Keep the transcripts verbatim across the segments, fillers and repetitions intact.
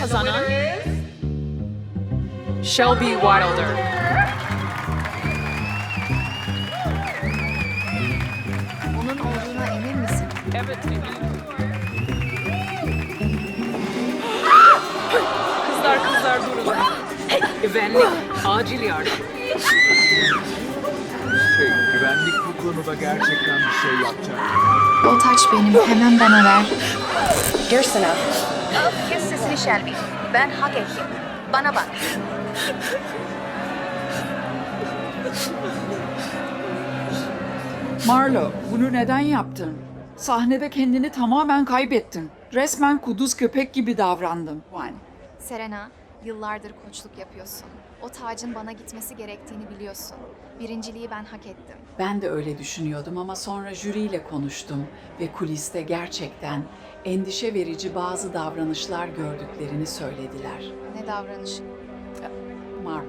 kazanan Shelby Wilder. Onun olduğuna emin misin? Evet, eminim. Kızlar kızlar durun. Güvenlik, acil yardım. Şey, güvenlik bu konuda gerçekten bir şey yapacak. O taç benim. Hemen bana ver. Dursana. Kes sesini Shelby. Ben hak ettim. Bana bak. Marlo, bunu neden yaptın? Sahnede kendini tamamen kaybettin. Resmen kuduz köpek gibi davrandın. Juan. Serena, yıllardır koçluk yapıyorsun. O tacın bana gitmesi gerektiğini biliyorsun. Birinciliği ben hak ettim. Ben de öyle düşünüyordum ama sonra jüriyle konuştum ve kuliste gerçekten endişe verici bazı davranışlar gördüklerini söylediler. Ne davranışı? Marlo.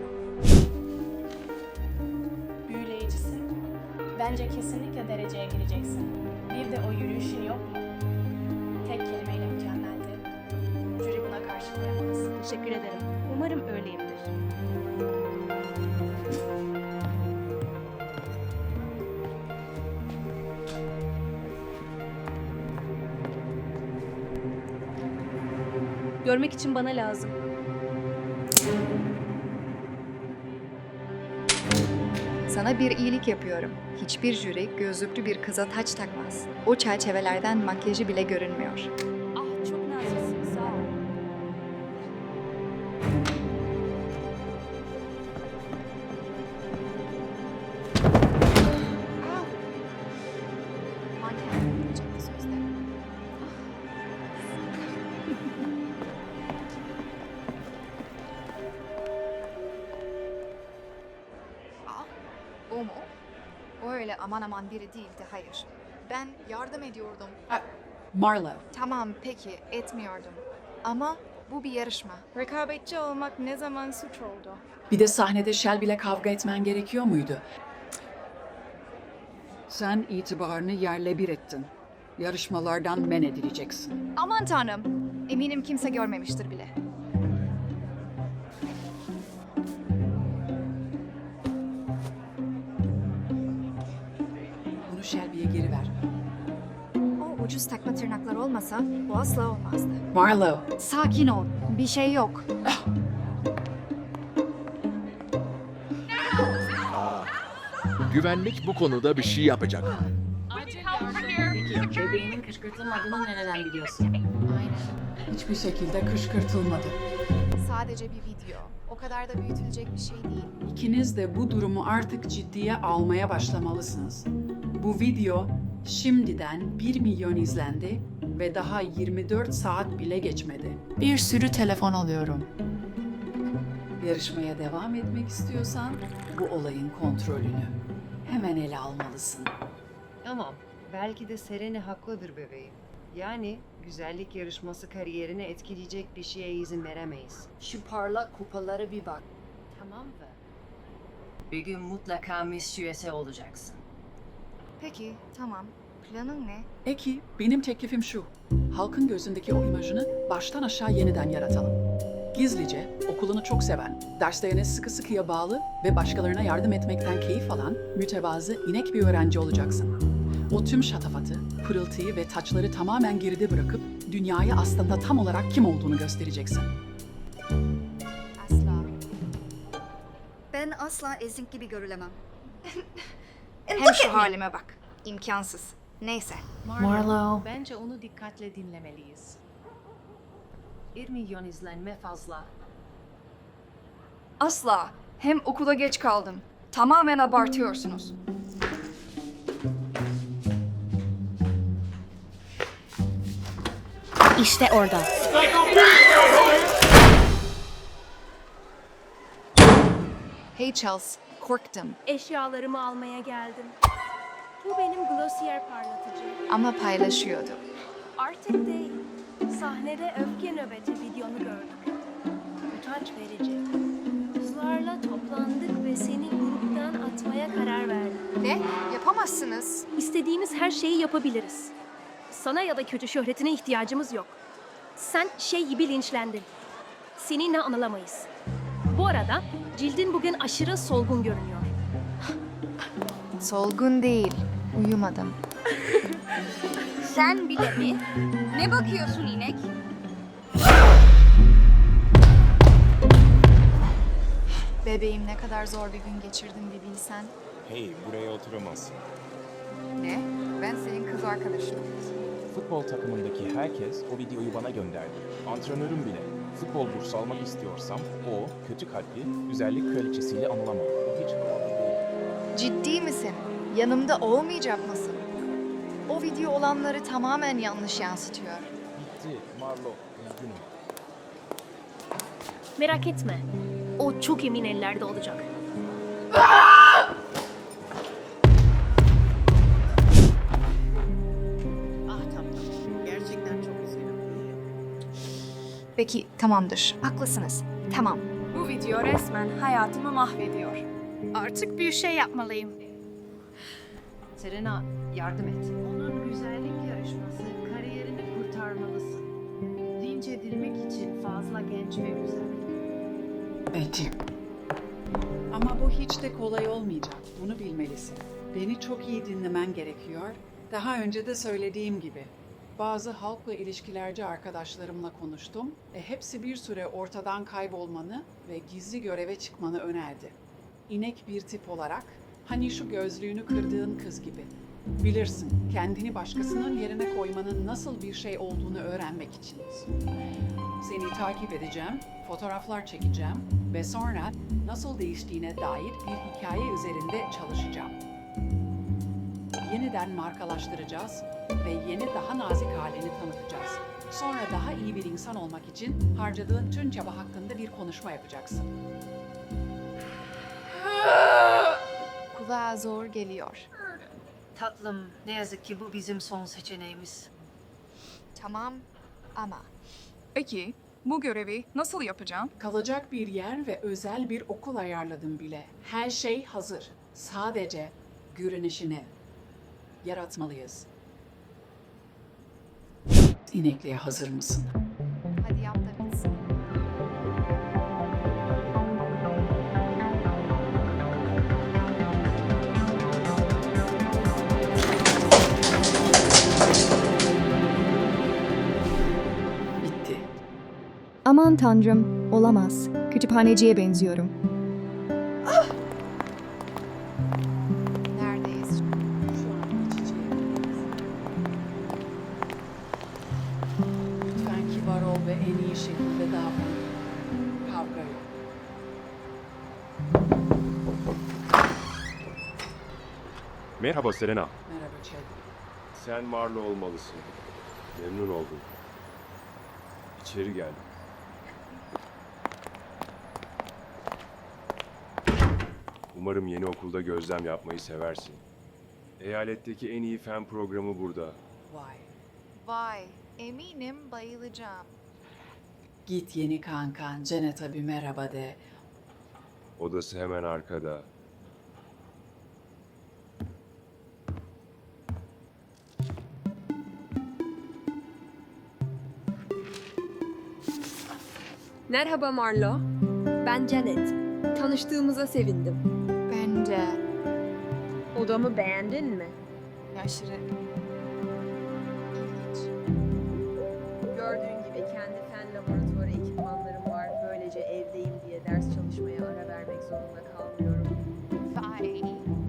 Büyüleyicisin. Bence kesinlikle dereceye gireceksin. Bir de o yürüyüşün yok mu? Tek kelimeyle mükemmeldi. Jüri buna karşı koyamaz. Teşekkür ederim. Umarım öyleyimdir. Görmek için bana lazım. Sana bir iyilik yapıyorum. Hiçbir jüri gözlüklü bir kıza taç takmaz. O çerçevelerden makyajı bile görünmüyor. Ah, çok naziksin. Sağ ol. Manken olacaktı sözde. Ah, o mu? O öyle aman aman biri değildi, hayır. Ben yardım ediyordum. Ha, Marlo, Tamam, peki, etmiyordum. Ama bu bir yarışma. Rekabetçi olmak ne zaman suç oldu? bir de sahnede Shelby'le kavga etmen gerekiyor muydu? Sen itibarını yerle bir ettin. Yarışmalardan men edileceksin. Aman tanrım, eminim kimse görmemiştir bile. Bunu Shelby'ye geri ver. O ucuz takma tırnaklar olmasa bu asla olmazdı. Marlo, Sakin ol, bir şey yok. Güvenlik bu konuda bir şey yapacak. Bebeğinin kışkırtılmadığını nereden biliyorsun? Aynen. hiçbir şekilde kışkırtılmadı. Sadece bir video. O kadar da büyütülecek bir şey değil. İkiniz de bu durumu artık ciddiye almaya başlamalısınız. Bu video şimdiden bir milyon izlendi ve daha yirmi dört saat bile geçmedi. Bir sürü telefon alıyorum. Yarışmaya devam etmek istiyorsan bu olayın kontrolünü hemen ele almalısın. Tamam. Belki de Serena haklıdır bebeğim. Yani güzellik yarışması kariyerini etkileyecek bir şeye izin veremeyiz. Şu parlak kupalara bir bak. Tamam mı? Bir gün mutlaka Miss U S A olacaksın. Peki, tamam. Planın ne? Peki, benim teklifim şu. Halkın gözündeki o imajını baştan aşağı yeniden yaratalım. Gizlice, okulunu çok seven, derslerine sıkı sıkıya bağlı ve başkalarına yardım etmekten keyif alan, mütevazı, inek bir öğrenci olacaksın. O tüm şatafatı, pırıltıyı ve taçları tamamen geride bırakıp dünyaya aslında tam olarak kim olduğunu göstereceksin. Asla. Ben asla ezik gibi görülemem. Hem şu halime bak. İmkansız. Neyse. Marlo. Bence onu dikkatle dinlemeliyiz. Bir milyon izlenme fazla. Asla. Hem okula geç kaldım. Tamamen abartıyorsunuz. İşte orada. Hey Charles, korktum. Eşyalarımı almaya geldim. Bu benim Glossier parlatıcı. Ama paylaşıyordu. Artık değil. Sahnede öfke nöbeti videonu gördük. Utanç verici. Kızlarla toplandık ve seni gruptan atmaya karar verdim. Ne? Yapamazsınız. İstediğimiz her şeyi yapabiliriz. Sana ya da kötü şöhretine ihtiyacımız yok. Sen şey gibi linçlendin. seninle anılamayız. Bu arada cildin bugün aşırı solgun görünüyor. Solgun değil. Uyumadım. Sen bile mi? Ne bakıyorsun inek? Bebeğim ne kadar zor bir gün geçirdim bir bilsen. Hey, buraya oturamazsın. Ne? Ben senin kız arkadaşınım. Futbol takımındaki herkes o videoyu bana gönderdi. Antrenörüm bile. Futbol bursu almak istiyorsam o kötü kalpli güzellik kraliçesiyle anılamam. Bu hiç havalı değil. Ciddi misin? Yanımda olmayacak mısın? O video olanları tamamen yanlış yansıtıyor. Bitti Marlo, üzgünüm. Merak etme. O çok emin ellerde olacak. Ah tamam. Gerçekten çok üzgünüm. Peki tamamdır. Haklısınız. Tamam. Bu video resmen hayatımı mahvediyor. Artık bir şey yapmalıyım. Serena, yardım et. Onun güzellik yarışması kariyerini kurtarmalısın. Linç edilmek için fazla genç ve güzel. Betty. Ama bu hiç de kolay olmayacak. Bunu bilmelisin. Beni çok iyi dinlemen gerekiyor. Daha önce de söylediğim gibi. Bazı halkla ilişkilerci arkadaşlarımla konuştum ve hepsi bir süre ortadan kaybolmanı ve gizli göreve çıkmanı önerdi. İnek bir tip olarak, hani şu gözlüğünü kırdığın kız gibi. Bilirsin, kendini başkasının yerine koymanın nasıl bir şey olduğunu öğrenmek için. Seni takip edeceğim, fotoğraflar çekeceğim ve sonra nasıl değiştiğine dair bir hikaye üzerinde çalışacağım. Yeniden markalaştıracağız ve yeni daha nazik halini tanıtacağız. Sonra daha iyi bir insan olmak için harcadığın tüm çaba hakkında bir konuşma yapacaksın. Kulağa zor geliyor. Tatlım, ne yazık ki bu bizim son seçeneğimiz. Tamam ama Peki, bu görevi nasıl yapacağım? Kalacak bir yer ve özel bir okul ayarladım bile. Her şey hazır. Sadece görünüşünü yaratmalıyız. İnekliğe hazır mısın? hadi yap da bitsin. Bitti. Aman tanrım, olamaz. Kütüphaneciye benziyorum. Neredeyiz? Şu an iç içeyiz. Lütfen kibar ol ve en iyi şekilde davran. Kavga yok. Merhaba Serena. Merhaba Chad. Sen Marlo olmalısın. Memnun oldum. İçeri gel. Umarım yeni okulda gözlem yapmayı seversin. Eyaletteki en iyi fen programı burada. Vay. Vay, eminim bayılacağım. Git yeni kankan, Janet'a bir merhaba de. Odası hemen arkada. Merhaba Marlo. Ben Janet. Tanıştığımıza sevindim. Bence Odamı beğendin mi? aşırı ilginç. Gördüğün gibi kendi fen laboratuvarı ekipmanlarım var. Böylece evdeyim diye ders çalışmaya ara vermek zorunda kalmıyorum. Vay.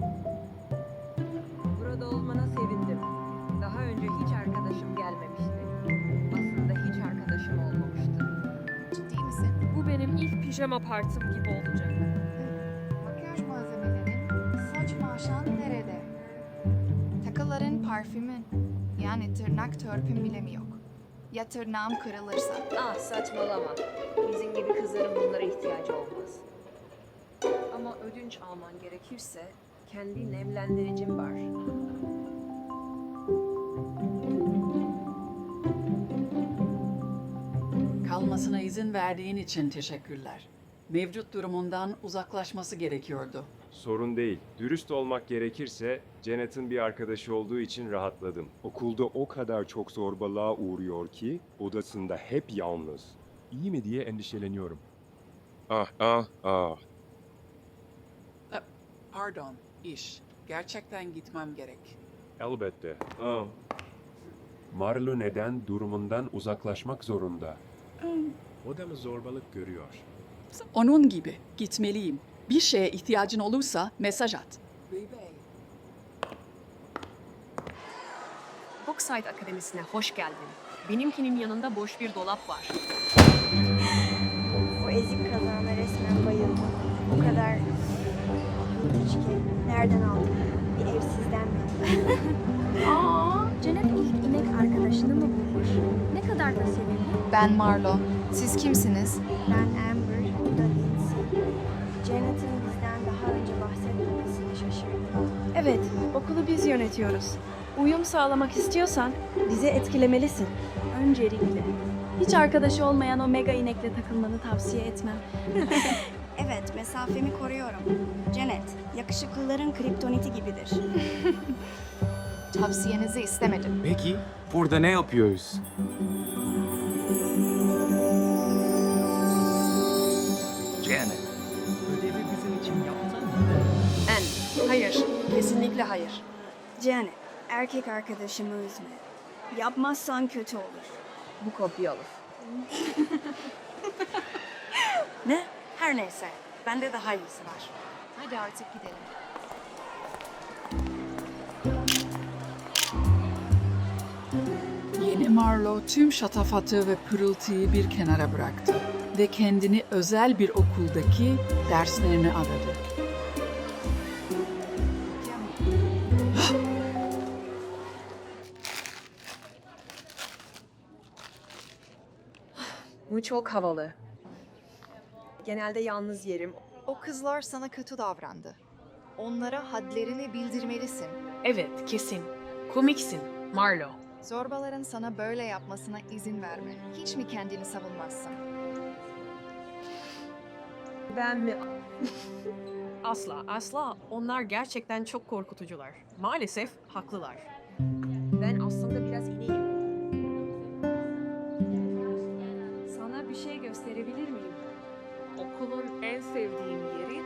Burada olmana sevindim. Daha önce hiç arkadaşım gelmemişti. Aslında hiç arkadaşım olmamıştı. Ciddi misin? Bu benim ilk pijama partim gibi olacak. Makyaj malzemelerin, saç maşan nerede? Takıların, parfümün. Yani tırnak törpüm bile mi yok? Ya tırnağım kırılırsa? Ah saçmalama. Bizim gibi kızların bunlara ihtiyacı olmaz. Ama ödünç alman gerekirse kendi nemlendiricim var. Kalmasına izin verdiğin için teşekkürler. Mevcut durumundan uzaklaşması gerekiyordu. Sorun değil. Dürüst olmak gerekirse Janet'ın bir arkadaşı olduğu için rahatladım. Okulda o kadar çok zorbalığa uğruyor ki odasında hep yalnız. iyi mi diye endişeleniyorum. Ah ah ah. E, Pardon, iş. Gerçekten gitmem gerek. Elbette. Aa. Marlo neden durumundan uzaklaşmak zorunda? O da mı zorbalık görüyor? Onun gibi gitmeliyim. Bir şeye ihtiyacın olursa mesaj at. Boxside Akademisi'ne hoş geldin. Benimkinin yanında boş bir dolap var. O ezik kazağına resmen bayıldım. O kadar ilginç ki. Nereden aldın? Bir evsizden mi? Aa, Janet ilk inek arkadaşını mı bulmuş? Ne kadar da sevimli. Ben Marlo. Siz kimsiniz? Ben Amber, bu da Lindsay. Janet'ın bizden daha önce bahsetmemesini şaşırdım. Evet, okulu biz yönetiyoruz. Uyum sağlamak istiyorsan bizi etkilemelisin. Öncelikle. Hiç arkadaşı olmayan o mega inekle takılmanı tavsiye etmem. Evet, mesafemi koruyorum. Janet, yakışıklıların kriptoniti gibidir. Tavsiyenizi istemedim. Peki, burada ne yapıyoruz? Janet, ödevi bizim için yaptın mı? En, hayır, kesinlikle hayır. Janet, erkek arkadaşımı üzme. Yapmazsan kötü olur. Bu kopyalı. Ne? Her neyse, bende daha iyisi var. Hadi artık gidelim. Yeni Marlo tüm şatafatı ve pırıltıyı bir kenara bıraktı ve kendini özel bir okuldaki derslerine adadı. Bu çok havalı. Genelde yalnız yerim. O kızlar sana kötü davrandı. Onlara hadlerini bildirmelisin. Evet, kesin. Komiksin, Marlo. Zorbaların sana böyle yapmasına izin verme. Hiç mi kendini savunmazsın? Ben mi? Asla, asla. Onlar gerçekten çok korkutucular. Maalesef haklılar. Ben aslında biraz ineğim. Sana bir şey gösterebilir miyim? Okulun en sevdiğim yeri.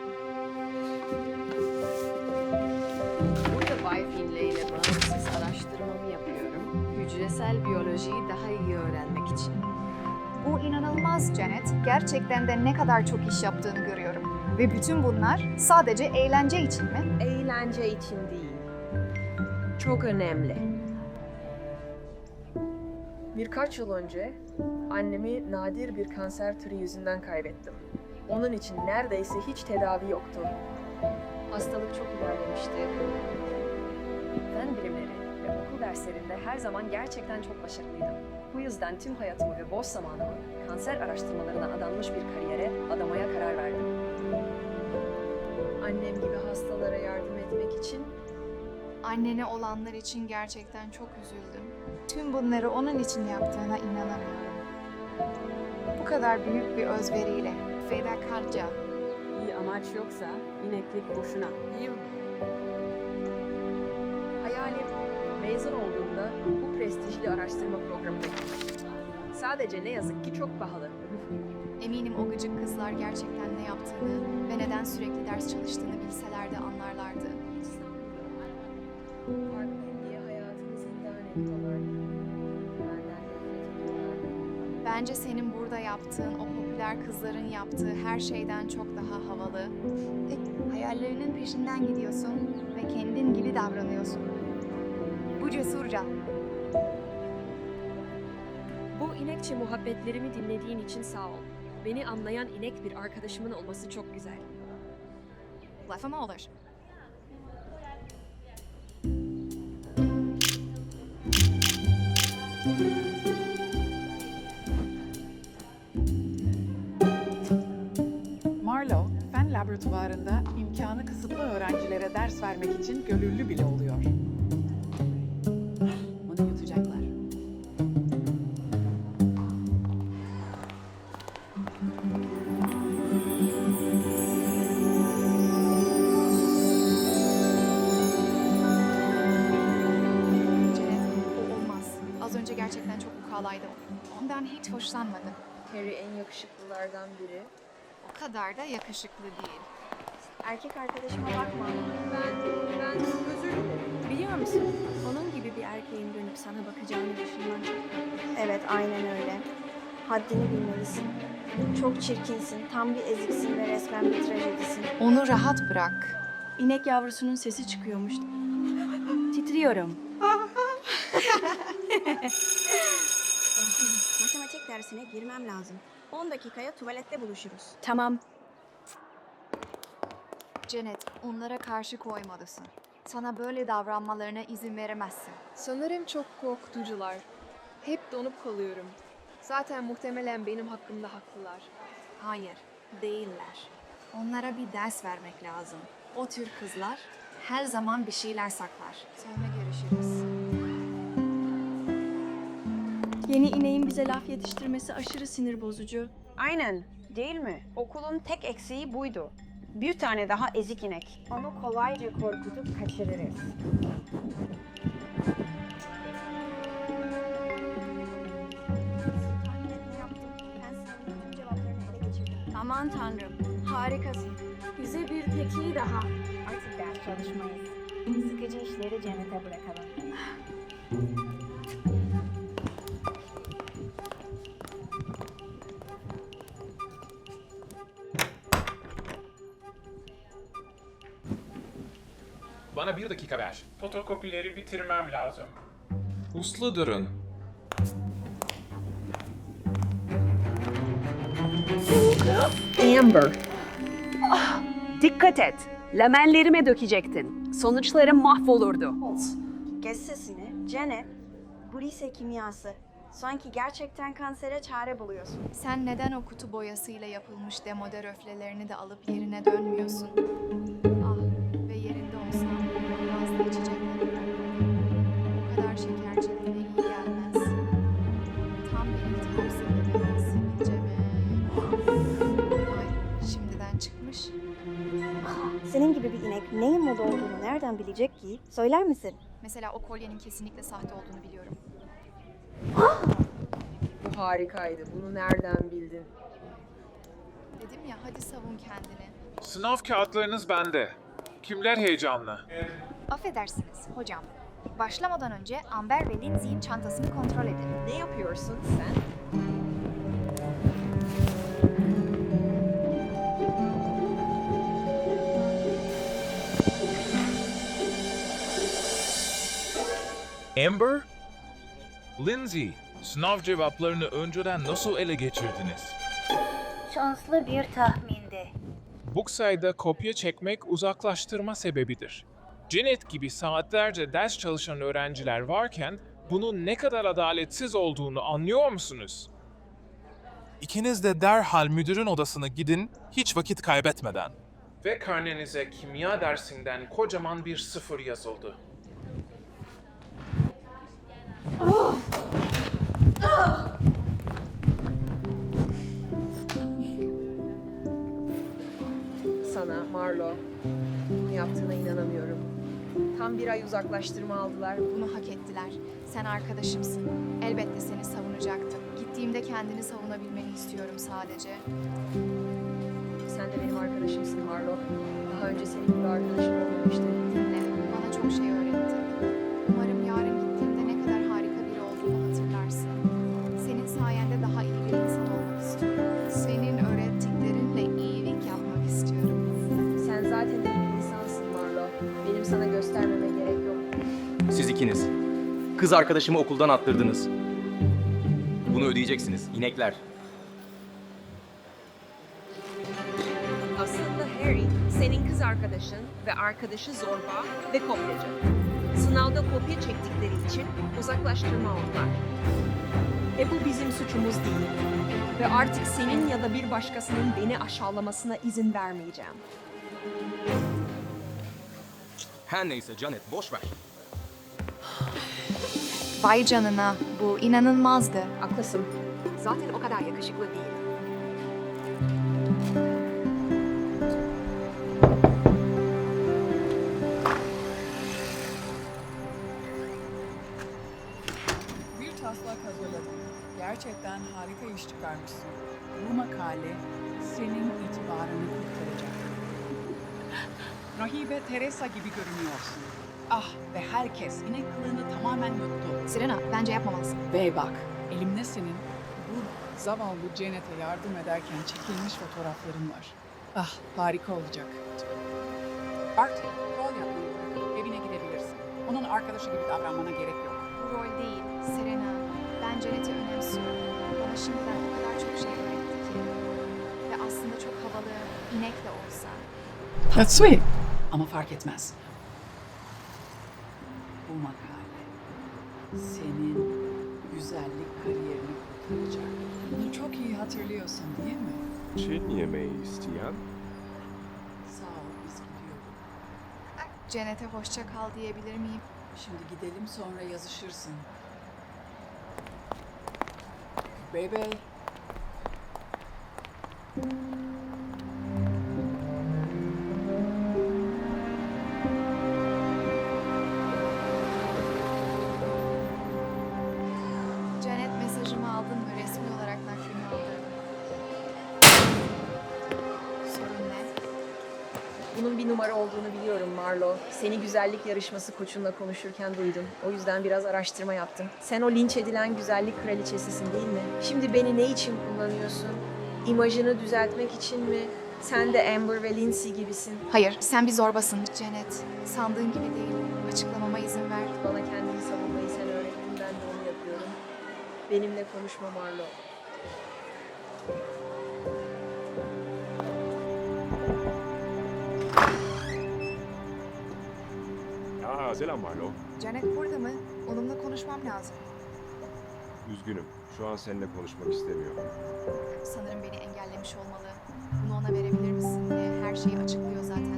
Burada Bay Finlay ile bağımsız araştırmamı yapıyorum. Hücresel biyolojiyi daha iyi öğrenmek için. Bu inanılmaz Janet. Gerçekten de ne kadar çok iş yaptığını görüyorum. Ve bütün bunlar sadece eğlence için mi? Eğlence için değil. Çok önemli. Birkaç yıl önce annemi nadir bir kanser türü yüzünden kaybettim. Onun için neredeyse hiç tedavi yoktu. Hastalık çok ilerlemişti. Fen bilimleri ve okul derslerinde her zaman gerçekten çok başarılıydım. Bu yüzden tüm hayatımı ve boş zamanımı kanser araştırmalarına adanmış bir kariyere adamaya karar verdim. Annem gibi hastalara yardım etmek için Annene olanlar için gerçekten çok üzüldüm. Tüm bunları onun için yaptığına inanamıyorum. Bu kadar büyük bir özveriyle, fedakarca. İyi amaç yoksa ineklik boşuna. değil mi? Hayalim mezun olduğumda bu prestijli araştırma programına girmek. Sadece ne yazık ki çok pahalı. Eminim o gıcık kızlar gerçekten ne yaptığını ve neden sürekli ders çalıştığını bilselerdi anlarlardı. Farkındayım diye hayatımı zindan ediyorlar. Benden nefret ediyorlar. Bence senin burada yaptığın o popüler kızların yaptığı her şeyden çok daha havalı. E, hayallerinin peşinden gidiyorsun ve kendin gibi davranıyorsun. Bu cesurca. Bu inekçe muhabbetlerimi dinlediğin için sağ ol. Beni anlayan inek bir arkadaşımın olması çok güzel. Lafı olur? Marlo, fen laboratuvarında imkanı kısıtlı öğrencilere ders vermek için gönüllü bile oluyor. Bunu yutacaklar. Janet, o olmaz. Az önce gerçekten çok ukalaydı. Ondan hiç hoşlanmadım. Harry en yakışıklılardan biri. O kadar da yakışıklı değil. Erkek arkadaşıma bakma. Ben, ben özür dilerim. Biliyor musun? Onun gibi bir erkeğin dönüp sana bakacağını düşünmen çok kötü. Evet, aynen öyle. Haddini bilmelisin. Çok çirkinsin, tam bir eziksin ve resmen bir trajedisin. Onu rahat bırak. İnek yavrusunun sesi çıkıyormuş. Titriyorum. Matematik dersine girmem lazım. on dakikaya tuvalette buluşuruz. Tamam. Janet, onlara karşı koymalısın. Sana böyle davranmalarına izin veremezsin. Sanırım çok korkutucular. Hep donup kalıyorum. Zaten muhtemelen benim hakkımda haklılar. Hayır, değiller. Onlara bir ders vermek lazım. O tür kızlar her zaman bir şeyler saklar. Sonra görüşürüz. Yeni ineğin bize laf yetiştirmesi aşırı sinir bozucu. Aynen, değil mi? Okulun tek eksiği buydu. Bir tane daha ezik inek. Onu kolayca korkutup kaçırırız. Aman tanrım, harikasın. Bize bir teki daha. Artık ders çalışmayız. Sıkıcı işleri Janet'e bırakalım. Bana bir dakika ver. Fotokopileri bitirmem lazım. Uslu durun. Amber. Dikkat et. Lamellerime dökecektin. Sonuçlarım mahvolurdu. Kes sesini. Janet, bu lise kimyası. Sanki gerçekten kansere çare buluyorsun. Sen neden o kutu boyasıyla yapılmış demode röflelerini de alıp yerine dönmüyorsun? Ah, ve yerinde olsam fazla içecekleri bırakmadım. O kadar şeker cildine iyi gelmez. Tam bir iltihap sebebi, sivilce mi? Ay, şimdiden çıkmış. Senin gibi bir inek neyin moda olduğunu nereden bilecek ki? Söyler misin? Mesela o kolyenin kesinlikle sahte olduğunu biliyorum. Bu harikaydı. Bunu nereden bildin? Dedim ya, hadi savun kendini. Sınav kağıtlarınız bende. Kimler heyecanlı? Affedersiniz hocam. Başlamadan önce Amber ve Lindsay'in çantasını kontrol edin. Ne yapıyorsun sen? Amber? Lindsay, sınav cevaplarını önceden nasıl ele geçirdiniz? Şanslı bir tahmindi. Bu sayede kopya çekmek uzaklaştırma sebebidir. Janet gibi saatlerce ders çalışan öğrenciler varken bunun ne kadar adaletsiz olduğunu anlıyor musunuz? İkiniz de derhal müdürün odasına gidin, hiç vakit kaybetmeden. Ve karnenize kimya dersinden kocaman bir sıfır yazıldı. Sana, Marlo, bunu yaptığına inanamıyorum. Tam bir ay uzaklaştırma aldılar. Bunu hak ettiler. Sen arkadaşımsın. Elbette seni savunacaktım. Gittiğimde kendini savunabilmeni istiyorum sadece. Sen de benim arkadaşımsın Marlo. Daha önce senin gibi arkadaşım olmamıştı. Dinle, bana çok şey öğretti. Umarım yarın gittiğimde ne kadar harika biri olduğunu hatırlarsın. Senin sayende daha iyi bir insan olmak istiyorum. Senin öğrettiklerinle iyilik yapmak istiyorum. Sen zaten iyi bir insansın Marlo. Benim sana göstermeme gerek yok. Siz ikiniz. Kız arkadaşımı okuldan attırdınız. Bunu ödeyeceksiniz, inekler. Aslında Harry, senin kız arkadaşın ve arkadaşı zorba ve kopyacı. Sınavda kopya çektikleri için uzaklaştırma aldılar. E bu bizim suçumuz değil. Ve artık senin ya da bir başkasının beni aşağılamasına izin vermeyeceğim. Her neyse Janet, boş ver. Vay canına, bu inanılmazdı. Haklısın. Zaten o kadar yakışıklı değil. Bir taslak hazırladım. Gerçekten harika iş çıkarmışsın. Bu makale senin itibarını kurtaracak. Rahibe Teresa gibi görünüyorsun. Ah ve herkes inek kılığını tamamen yuttu. Serena, bence yapmamalısın. Ve bak, elimde senin bu zavallı Janet'e yardım ederken çekilmiş fotoğrafların var. Ah, harika olacak. Artık rol yapmayı bırakıp evine gidebilirsin. Onun arkadaşı gibi davranmana gerek yok. Bu rol değil, Serena. Ben Janet'i önemsiyorum. Bana şimdiden o kadar çok şey öğretti ki. Ve aslında çok havalı, inek de olsa. That's sweet. Ama fark etmez. Bu makale senin güzellik kariyerini kurtaracak. Bunu çok iyi hatırlıyorsun değil mi? Çin yemeği isteyen? Sağ ol, biz gidiyoruz. Janet'e hoşça kal diyebilir miyim? Şimdi gidelim, sonra yazışırsın. Baby. Janet, mesajımı aldın mı? Resmi olarak naklini aldırdım. Sorun ne? Bunun bir numara olduğunu biliyorum Marlo. Seni güzellik yarışması koçunla konuşurken duydum. O yüzden biraz araştırma yaptım. Sen o linç edilen güzellik kraliçesisin değil mi? Şimdi beni ne için kullanıyorsun? İmajını düzeltmek için mi? Sen de Amber ve Lindsay gibisin. Hayır, sen bir zorbasın Janet. Sandığın gibi değil. Açıklamama izin ver. Bana kendini savunmayı sen öğrettin, ben de onu yapıyorum. Benimle konuşma Marlo. Aa, selam Marlo. Janet burada mı? Onunla konuşmam lazım. Üzgünüm. Şu an seninle konuşmak istemiyorum. Sanırım beni engellemiş olmalı. Bunu ona verebilir misin diye her şeyi açıklıyor zaten.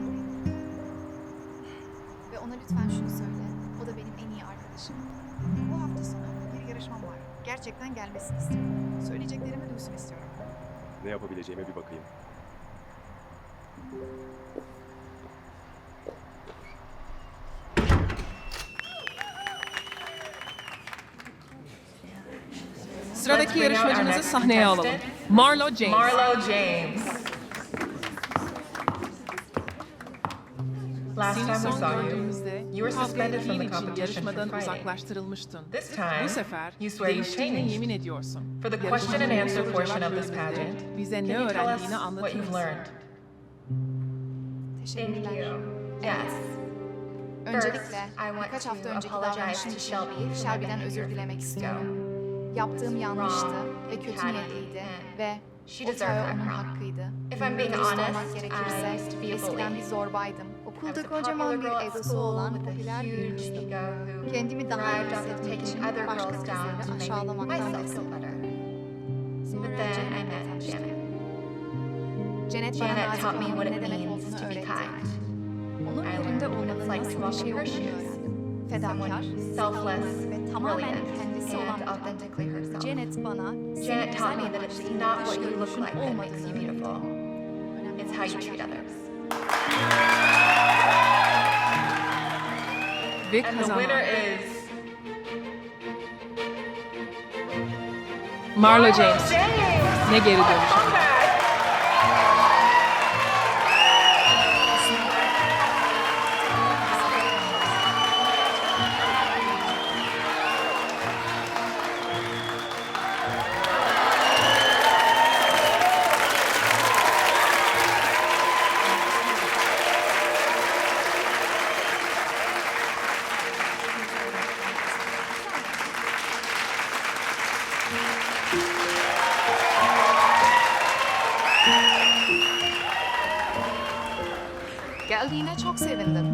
Ve ona lütfen şunu söyle. O da benim en iyi arkadaşım. Bu hafta sonu bir yarışmam var. Gerçekten gelmesini istiyorum. Söyleyeceklerimi duysun istiyorum. Ne yapabileceğime bir bakayım. Sıradaki yarışmacımızı sahneye alalım. Marlo James. Marlo James. Last Seni time we son saw you, gördüğümüzde you were suspended from the için competition yarışmadan for fighting. uzaklaştırılmıştın. This time, Bu sefer you swear you've değiştiğine changed. yemin ediyorsun. For the Yarışmanın question and answer soru portion cevap of this bölümünde pageant, bize can ne you tell us öğrendiğini what anlatır you've mısın? learned? Teşekkürler. Thank you. Yes. Öncelikle First, I want birkaç to hafta önceki apologize davranışım to için Shelby for my Shelby'den behavior özür a few dilemek weeks istiyorum. ago. Yaptığım yanlıştı Wrong, ve kötü had niyetliydi and ve she o deserved tağı that onun wrong. hakkıydı. If I'm being Dürüst honest, olmak I gerekirse used to be a eskiden bully. bir zorbaydım. I Okulda was a kocaman popular bir girl at egosu school olan with a popüler bir huge kızdım. ego who Kendimi daha iyi thrived off of hissetmek taking için other başka girls down kızları to make aşağılamaktan myself feel beslendim. better. Sonra But then I Janet'le met tanıştım. Janet. Janet bana Janet nazik taught me olmanın what ne it demek means olduğunu to be öğretti. kind. Onun I yerinde learned what olmanın it's like to nasıl bir walk şey in her olduğunu shoes. öğrendim. Fedakar, Someone selfless selfless, ve tamamen brilliant, kendisi olan and bir kadın. authentically herself. Janet bana Janet taught me that it's not what you look görünüşün like that makes olmadığını you beautiful. It's how you treat others. Ve And the kazanan winner is Marlo James. Ne geri dönüş. Geldiğine çok sevindim.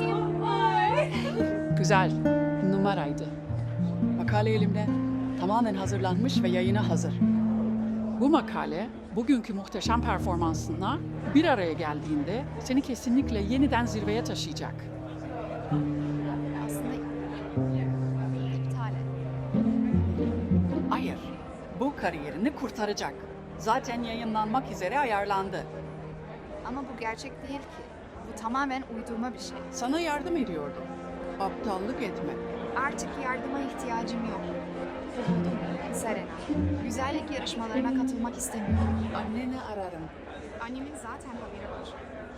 Güzel, numaraydı. Makale elimde. Tamamen hazırlanmış ve yayına hazır. Bu makale, bugünkü muhteşem performansınla bir araya geldiğinde seni kesinlikle yeniden zirveye taşıyacak. Aslında iptal et. Hayır, bu kariyerini kurtaracak. Zaten yayınlanmak üzere ayarlandı. Ama bu gerçek değil ki. Bu tamamen uydurma bir şey. Sana yardım ediyordum. Aptallık etme. Artık yardıma ihtiyacım yok. Serena, güzellik yarışmalarına katılmak istemiyorum. Anneni ararım. Annemin zaten haberi var.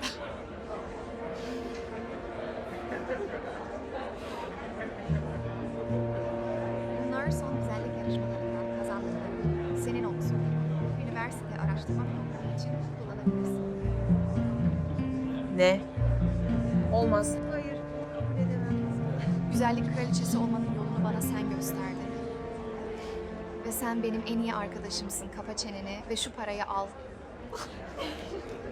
Bunlar son güzellik yarışmalarından kazandıklarım. Senin olsun. Üniversite araştırma programı için kullanabilirsin. Ne? Olmaz. Hayır, kabul edemem. Güzellik kraliçesi olmanın yolunu bana sen gösterdin. Ve sen benim en iyi arkadaşımsın. Kapa çeneni ve şu parayı al.